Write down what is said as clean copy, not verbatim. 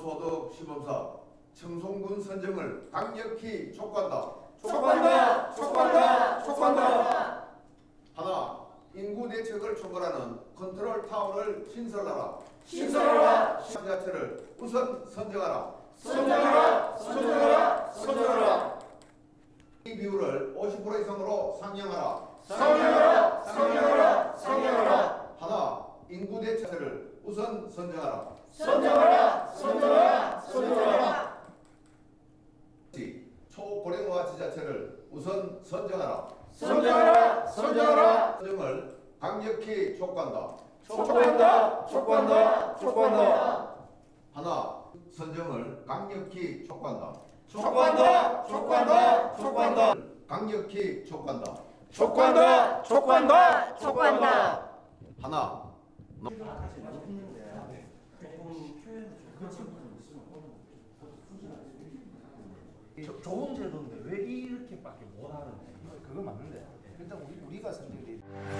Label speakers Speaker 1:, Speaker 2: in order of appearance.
Speaker 1: 기본소득 시범사 청송군 선정을 강력히 촉구한다.
Speaker 2: 촉구한다. 촉구한다. 촉구한다.
Speaker 1: 하나, 인구 대책을 총괄하는 컨트롤 타워를 신설하라.
Speaker 2: 신설하라.
Speaker 1: 지자체를 우선 선정하라.
Speaker 2: 선정하라. 선정하라. 선정하라.
Speaker 1: 이 비율을 50% 이상으로 상향하라.
Speaker 2: 상향하라. 상향하라. 상향하라.
Speaker 1: 하나, 인구 대책을 우선 선정하라.
Speaker 2: 선정하라. 선정하라. 선정하라.
Speaker 1: 초고령화 지자체를 우선 선정하라.
Speaker 2: 선정하라. 선정하라.
Speaker 1: 선정을 강력히 촉구한다.
Speaker 2: 촉구한다. 촉구한다. 촉구한다.
Speaker 1: 하나, 선정을 강력히 촉구한다.
Speaker 2: 촉구한다. 촉구한다. 촉구한다.
Speaker 1: 강력히 촉구한다.
Speaker 2: 촉구한다. 촉구한다. 촉구한다.
Speaker 1: 하나,
Speaker 3: 좋은 제도인데 왜 이렇게밖에 못하는데 그거 맞는데 일단 우리가 선정돼.